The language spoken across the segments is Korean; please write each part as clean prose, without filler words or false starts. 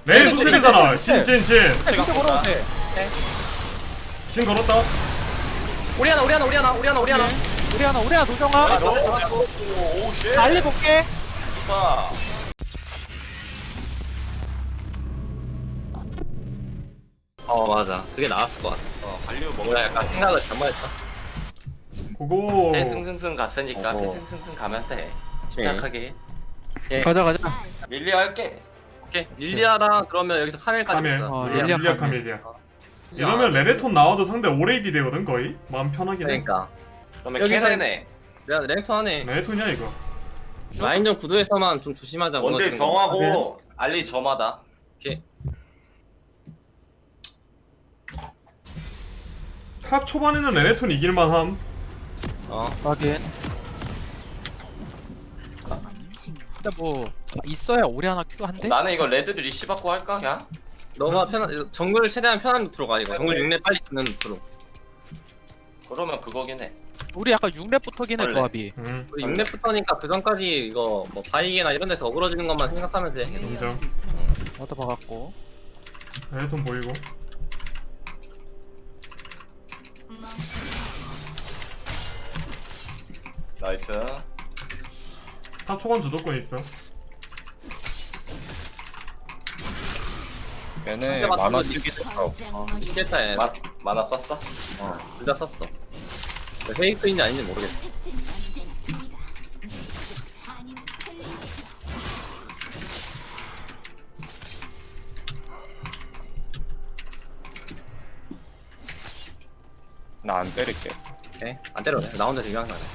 내일 노텔이잖아. 진. 진짜 걸어도 돼. 진 걸었다. 우리 하나 우리 하나 노정아. 오쉣 달리 볼게. 좋다. 맞아 그게 나았을 것 같아. 관료 뭔가 먹어야 약간 생각을 잘못했다. 고고. 승승승 갔으니까 승승승 가면 돼. 침착하게. 가자. 밀리 할게. 오케이 릴리아랑 그러면 여기서 카멜까지 카멜. 보자. 릴리아 카멜이야. 이러면 레네톤 나와도 상대 오레이디 되거든 거의. 마음 편하긴 해. 그러니까 그러면 여기서- 캐네네. 내가 랭턴 하네. 레네톤이야 이거. 라인전 구도에서만 좀 조심하자. 원딜 무너지는 거. 정하고 알리 점하다. 오케이. 탑 초반에는 레네톤 이길만함. 확인. 근데 뭐 있어야 오리 하나 큐 한대? 나는 이거 레드 리시 받고 할까 그냥? 너가 편한 정글 최대한 편한 루트로 가 이거. 정글 6렙 빨리 듣는 루트로. 그러면 그거긴 해. 우리 약간 6렙부터긴 해 원래. 조합이. 음. 우리 6렙부터니까 그 전까지 이거 뭐 바이게나 이런 데서 어그러지는 것만 생각하면 돼. 인정. 얻어 박았고. 레네톤 보이고. 나이스. 탑 초반 주도권 있어. 얘네 만화 쓰기 됐어. 시겠다 얘. 만화 썼어? 둘 다 썼어. 페이크인지 아닌지 모르겠어. 나 안 때릴게. 오케이. 안 때려도 돼. 나 혼자 지금 항상.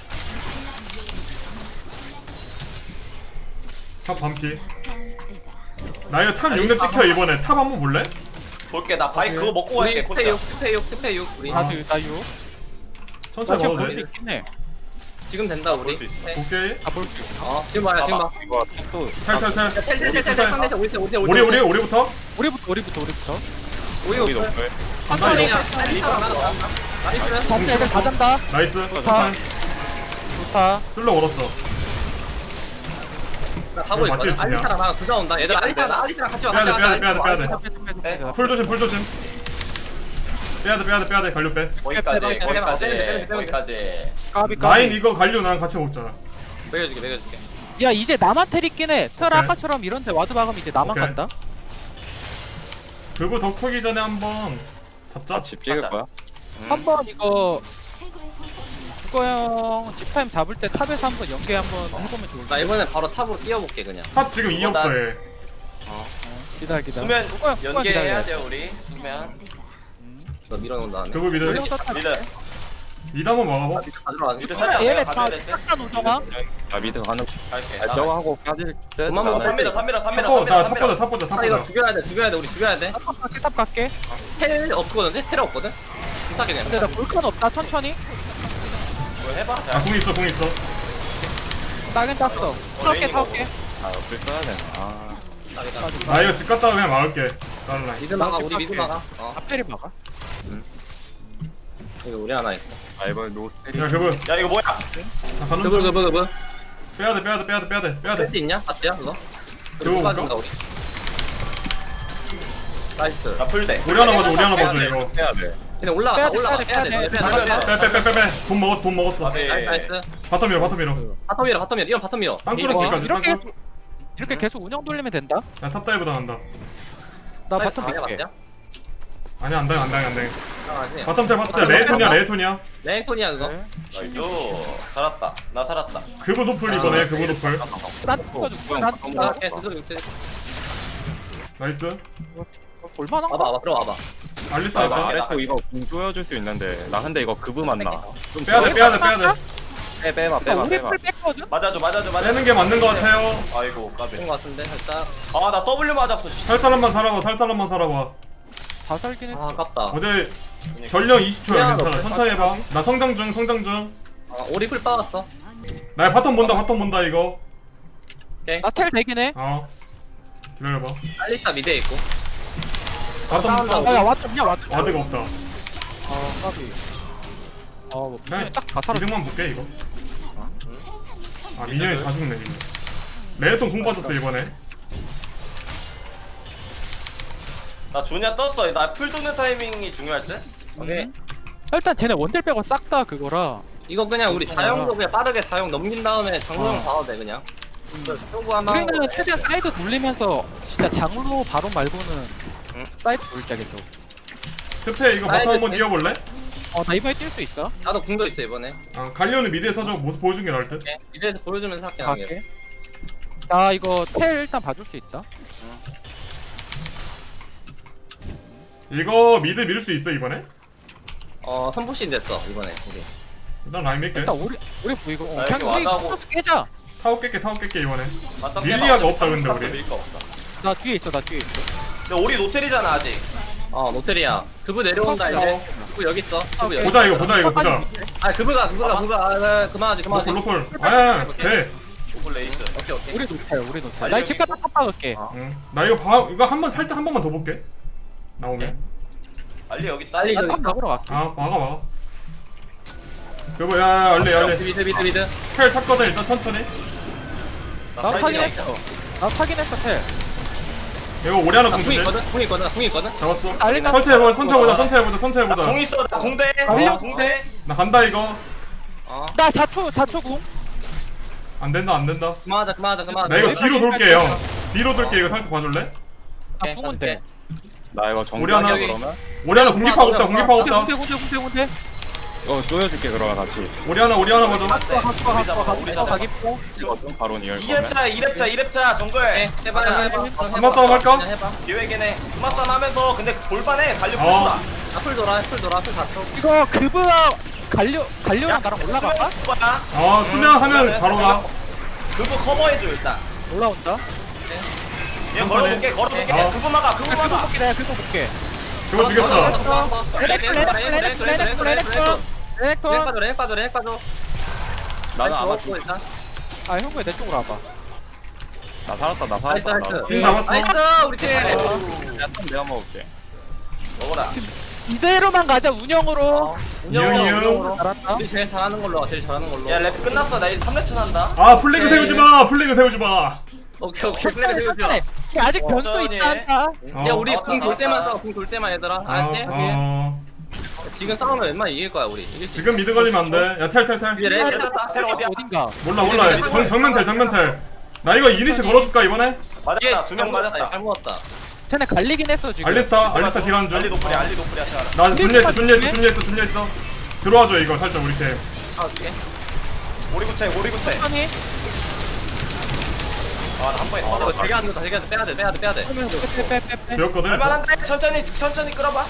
탑 반피. 나 이거 탑 6렙 찍혀 이번에. 탑 한번 볼래? 볼게. 나 바이 그거 먹고 우리 갈게. 스페 콘짜. 6 스페 6 우리. 아. 나유. 나 천천히 지금 봐도 볼 수 돼. 있긴 해. 지금 된다 우리. 볼수 있어. 네. 오케이. 볼 수 있어. 지금 봐요 지금 봐. 이거 또 탈. 텔텔텔텔 상대에서 우리 우리부터. 우리부터. 우리 여기 높을. 천천히 이거. 나이스. 전체 애들 다 잔다. 나이스. 천천히. 좋다. 슬로 걸었어. 가고 이거 맞게 있거든. 치냐? 알리타랑 나 둘다 온다. 얘들 알리타랑 같이 와. 빼야 돼, 같이 와. 빼야 돼. 네. 풀 조심. 빼야 돼. 관료 빼. 거기까지. 빼. 거기까지. 까비. 라인 이거 관료 나랑 같이 먹자. 매겨줄게. 야 이제 나만 텔 있긴 해. 텔 오케이. 아까처럼 이런데 와드 박으면 이제 나만 오케이. 간다. 그거 더 크기 전에 한번 잡자. 같이 찍을 가자. 거야? 한번 이거 형 집타임 잡을 때 탑에서 한번 연계 한번 해보면 좋을 것 나 이번에 바로 탑으로 뛰어볼게 그냥. 탑 지금 2 없어 얘. 기다려. 수면 그거야 연계해야 기다려. 돼요 우리. 수면. 너 밀어놓은 다음에. 그거 미드. 미드. 미드 한번 막아봐. 가져와. 미드 살짝 얘네 내가 다 가져야 될 때. 싹다 노정아. 야 미드 가는. 갈게. 저거 하고 빠질 때. 그만 어, 먹어. 탑밀어. 탑 보자. 아 이거 죽여야 돼. 우리 죽여야 돼. 탑 갈게. 텔 없거든. 텔 없거든. 비싸게 그냥. 근데 나 볼칸 없다. 천천히. 뭐 해봐. 아, 자. 공 있어. 따긴 땄어. 타올게. 아 옆을 써야 되네. 아. 나 이거 집 갔다가 그냥 막을게. 다른 라인. 미드 막아. 우리 미드 막아. 앞테리 막아. 이거 우리 하나 있어. 아 이번 노스테리. 야, 그분. 야 이거 뭐야? 나 가는 중. 그브. 빼야 돼. 할 수 있냐? 봤지야 그거? 그거 그거 볼까? 빠진다 우리. 나이스. 나 풀대. 우리 하나 봐줘 이거. 해야 돼. 그냥 올라가. 빼야 돼. 빼. 돈 먹었어. 네. 나이스. 바텀 밀어. 바텀 밀어. 이런 바텀 밀어. 땅굴어치기까지. 이렇게 계속 운영 돌리면 된다. 야, 탑 다이브 당한다. 나 바텀 밀게. 아니야, 안 당해. 바텀 바텀 텔. 레이톤이야. 랭톤이야 그거. 나이스. 살았다. 나 살았다. 그거 노플 이번에. 그거 노플. 난 죽어줄게. 난 죽어. 나이스. 볼만한 거. 와봐 들어와봐. 알리스타 있다. 그래도 이거 공 조여줄 수 있는데 나 근데 이거 급은 맞나? 좀 빼야 돼. 빼봐. 우리 풀 뺐거든. 맞아줘. 빼는 게 맞는 거 같아요. 아이고 까비. 된거 같은데 살짝. 아나 W 맞았어. 씨. 살 사람만 살아봐. 다 살긴 해. 아 아깝다. 어제 전령 20초야. 괜찮아. 천천히 해봐. 나 성장 중. 오리 풀 빠졌어. 나 바텀 본다 이거. 오케이. 나텔 되긴 해. 기다려봐. 알리스타 미드에 있고. 바텀 야 왔냐. 와드가 없다. 까비. 뭐 그냥 딱다 살아. 이득만 볼게 이거. 미니언이 다 죽네 이거. 레네톤 공 빠졌어 이번에. 나 조냐 떴어. 나 풀 도는 타이밍이 중요할 때. 오케이. 일단 쟤네 원딜 빼고 싹 다 그거라. 이거 그냥 우리 자영도 그냥 빠르게 자영 넘긴 다음에 장로형 봐도 돼 그냥. 쇼부 하나. 우리는 최대한 사이드 돌리면서 진짜 장로 바로 말고는 사이드 돌자 계속. 급해 이거 바텀 한번 뛰어볼래? 나 이번에 뛸 수 있어? 나도 궁도 있어 이번에. 갈리오는 미드에서 저 모습 보여준 게 나을 듯. 오케이. 이제서 보여주면서 할게 나게. 갈게. 나 이거 텔 일단 봐줄 수 있다. 이거 미드 밀 수 있어 이번에? 선부신 됐어 이번에 우리. 일단 라인 밀게. 일단 우리 보이고 나 그냥 이렇게 우리 와가고. 코스 깨자. 타워 깰게 이번에. 맞다, 릴리아가 깨봐. 없다, 근데 우리. 밀거 없다. 나 뒤에 있어. 근데 우리 노텔이잖아 아직. 노텔이야. 그브 내려온다 이제. 그브 여기 있어. 그브 여기. 보자 이거 보자. 그브가. 그만하지. 로콜. 아야 돼. 오블 레이스. 오케이. 우리 노텔. 나 집 갔다 탑 박을게. 응. 나 이거 한 번만 더 볼게. 나오면. 알리 여기 있다. 빨리 나탑 먹으러 갈게. 막아. 여보 야 알레. 미드. 텔 탔거든 일단 천천히. 나 사이드에 타긴 있다. 했어. 나 타긴 했어 텔. 이거 오리 하나 궁 공주지. 있거든. 잡았어. 알리나 천천히 해보자. 천천히 해보자. 나궁 있어. 나 궁대. 알려. 궁대. 나 간다 이거. 나 4초 궁. 안 된다. 그만하자. 나 이거 뒤로 돌게 형. 뒤로 돌게 이거 살짝 봐줄래? 나 궁은 돼. 나 이거 우리 하나 정리하자 그러면. 오리 하나 공격하고 없다. 군대. 이거 조여줄게 그러면 같이. 오리 하나 봐줘. 우리 잡아. 가겠고. 이거 좀 바로 이을 거면. 2렙차 정글. 해봐. 한번 싸움 할까? 그냥 해봐. 기획이네. 그맛싸움 하면서 근데 골반에 갈려 어. 풀수다. 풀 돌아. 풀 닫혀. 이거 그브와 갈려랑 나랑 올라갈까? 수면하면 바로 가. 그거 커버해줘 일단. 올라온다. 얘 천천히. 걸어볼게. 어. 그거 막아. 그거 볼게. 내가 그거 볼게. 그거 죽였어. 레넥톤. 렉 빠져. 나는 아마 죽고 일단. 형구야 내 쪽으로 와봐. 나 살았다. 나이스. 진 잡았어. 나이스 우리 팀. 내가 먹을게. 먹어라. 이대로만 가자 운영으로. 이응. 잘한다. 우리 제일 잘하는 걸로. 야 랩 끝났어. 나 이제 3렙 한다. 플래그 세우지 마. 오케이. 플레이 해주자. 아직 변수 어쩌니? 있다 한다. 야 우리 나왔다, 궁 돌 때만 나왔다. 싸워. 궁 돌 때만 얘들아. 알았지? 지금 싸우면 웬만하면 이길 거야 우리. 이길 수 지금 미드 걸리면 안 돼. 야 텔. 이제 렉 텔 어디야? 어딘가. 몰라. 정면 텔. 나 이거 이니시 걸어줄까 이번에? 맞았다. 2명 맞았다. 잘 먹었다. 쟤네 갈리긴 했어 지금. 알리스타 딜한 중. 알리 노플이야. 나 준비했어. 들어와줘 이거 살짝 우리 팀. 오케이. 오리구체. 천천히. 아나한 번에 터졌다. 되게 안 된다. 빼야 돼. 빼. 되었거든. 얼마나인데? 천천히 끌어봐.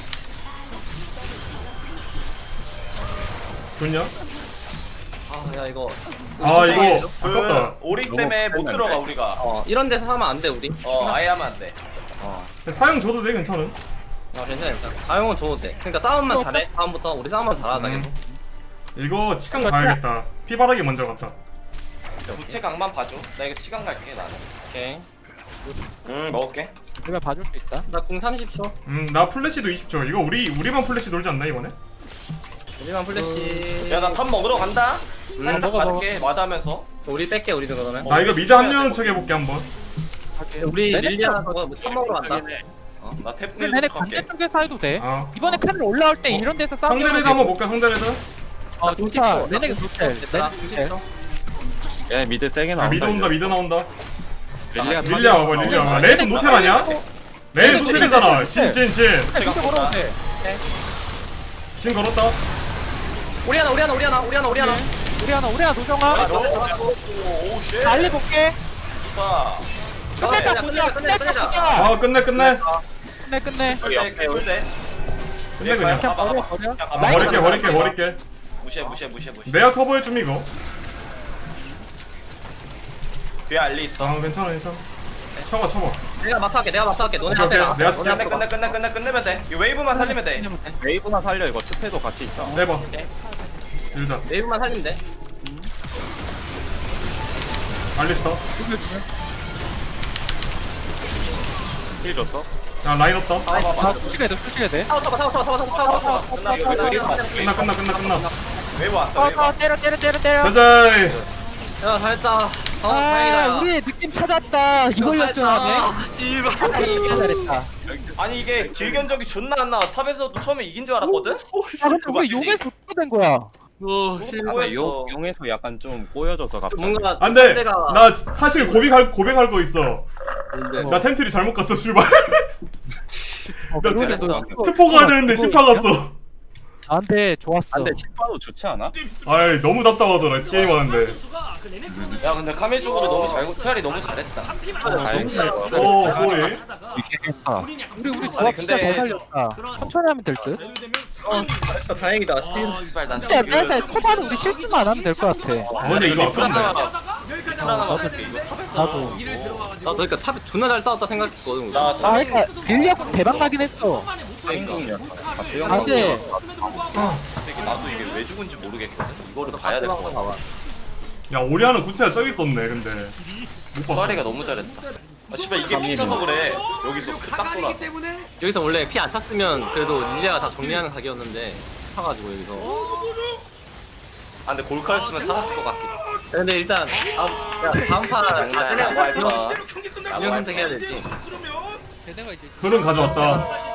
좋냐? 야 이거. 이거 아깝다. 오리 때문에 못 들어가 우리가. 이런 데서 하면 안 돼 우리. 아예 하면 안 돼. 사용 줘도 돼 괜찮은. 괜찮아. 자용은 줘도 돼. 그러니까 싸움만 잘해. 다음부터 우리 싸움만 잘하자. 계속. 이거 치강 가야겠다. 피바닥이 먼저 갔다. 부채 강만 봐줘. 나 이거 치강 갈게 나는. 오케이. 먹을게. 내가 봐줄 수 있다. 나 궁 30초. 나 플래시도 20초. 이거 우리만 플래시 놀지 않나 이번에? 우리만 플래시. 야 나 탑 먹으러 간다. 살짝 먹어. 맞게 와닿으면서. 우리 뺄게 우리도 그러면. 나 이거 미드 합류하는 척 해볼게 한번. 우리 릴리아 그거 탑 먹으러 간다. 나 탭 근데 얘네 갈게. 반대쪽에서 해도 돼. 아. 이번에 칸을 올라올 때 이런 데서 싸우면 상대 레드 한번 볼까 상대 레드? 좋다. 레넥이 좋대. 얘 미드 세게 나온다. 미드 나온다. 릴리아 릴리아 와봐. 레이트 노텔 아니야? 레이트 노텔이잖아. 진. 진짜 걸어도 돼. 진 걸었다. 우리 하나. 우리 하나 노정아. 오 쉣. 알리 볼게. 좋다. 끝냈다 보자. 끝내자. 끝내. 끝내. 꿀대. 끝내 그냥. 버려. 버릴게. 무시해. 내가 커버해줌 이거. 뒤에 알리 있어. 괜찮아. 쳐봐. 내가 마타할게. 너네 오케이, 앞에. 내가 너네 끝내면 돼. 이 웨이브만 살리면 돼. 웨이브만 살려. 이거 투패도 같이 있다. 내봐. 오케이. 일자. 웨이브만 살리면 돼. 알리스타. 힐 줬어? 야 라인 없다. 다 푸시해야 돼. 타워. 끝나. 끝나. 웨이브 왔어. 웨이브. 때려. 가자. 야 잘했다. 다행이다. 우리 느낌 찾았다. 이걸 역전하네. 씨발. 잘했다. 아니 이게 길견적이 존나 안 나와. 탑에서도 처음에 이긴 줄 알았거든? 아 근데 우리 용에서 어떻게 된 거야? 오, 뭐였어? 용에서 약간 좀 꼬여져서 갑자기. 뭔가 안돼. 상대가- 나 사실 고백할 거 있어. 뭔데? 나 템트리 잘못 갔어 슈발. 그러게 그랬어. 너 트포 가야 되는데 심파 갔어. 나한테 좋았어. 안돼 식파도 좋지 않아? 아이 너무 답답하더라 게임 하는데. 야 근데 카밀 쪽으로 너무 잘 트알이 너무 잘했다. 다행이다. 소리. 이렇게 우리 조합 아니, 진짜 근데- 잘 살렸다. 천천히 하면 될 듯. 잘했다 다행이다. 스티븐 씨발 난 진짜 내가 초반에 우리 실수만 안 하면 될 것 같아. 근데 이거 아픈데. 불안하고 이거 탑에서 나도. 나 그러니까 탑에 존나 잘 싸웠다 생각했거든. 우리. 나 아 3인 그러니까 빌리하고 대박 나긴 했어. 중이었다. 아 근데 나도 이게 왜 죽은지 모르겠거든. 이거를 봐야 될 것 같아. 봐봐. 야 오리아는 구체가 저기 있었네 근데. 못 봤어. 수아리가 너무 잘했다. 아 씨발 이게 미쳐서 그래. 여기서 그딱 돌아. 여기서 원래 피 안 탔으면 그래도 릴리아가 다 정리하는 각이었는데 타가지고 여기서. 아 근데 골카였으면 살았을 것 같긴. 근데 일단 다음 판 장난 나중에 야구 할 거야. 인형 선택해야 되지. 흐름 가져왔다.